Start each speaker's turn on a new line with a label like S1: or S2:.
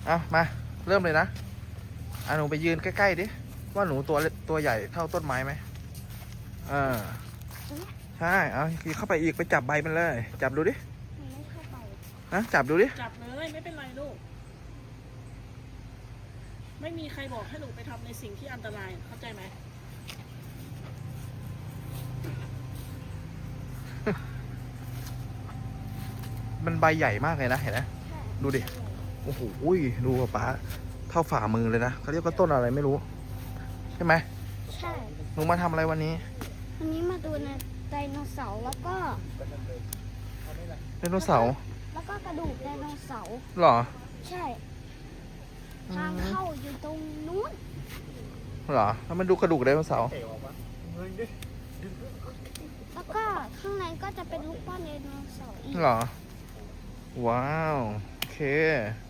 S1: เอามาเริ่มเลยนะหนูไปยืนใกล้ๆดิว่าหนูตัวใหญ่เท่าต้นไม้ไหมใช่เอาเข้าไปอีกไปจับใบมันเลยจับดูดิจับดูดิ
S2: จับเลยไม่เป็นไรลูกไม่มีใครบอกให้หนูไปทำในสิ่งที่อันตรายเข้าใจไหม
S1: มันใบใหญ่มากเลยนะเห็นไหมดูดิโอ้โหดูป๊าเท่าฝ่ามือเลยนะเขาเรียกว่าต้นอะไรไม่รู้ใช่ไหม
S3: ใช่
S1: หนูมาทำอะไรวันนี้
S3: มาดูไดโนเสาร์แล้วก็
S1: ไดโนเสาร์
S3: แล้วก็กระดูกไดโนเสาร์
S1: หรอ
S3: ใช่ทางเข้าอยู่ตรงนู้น
S1: หรอแล้วมันดูกระดูกไดโนเสาร์
S3: แล้วก็ข้างในก็จะเป็นลูกปั้นไดโนเสาร์อีก
S1: หรอว้าวโอเค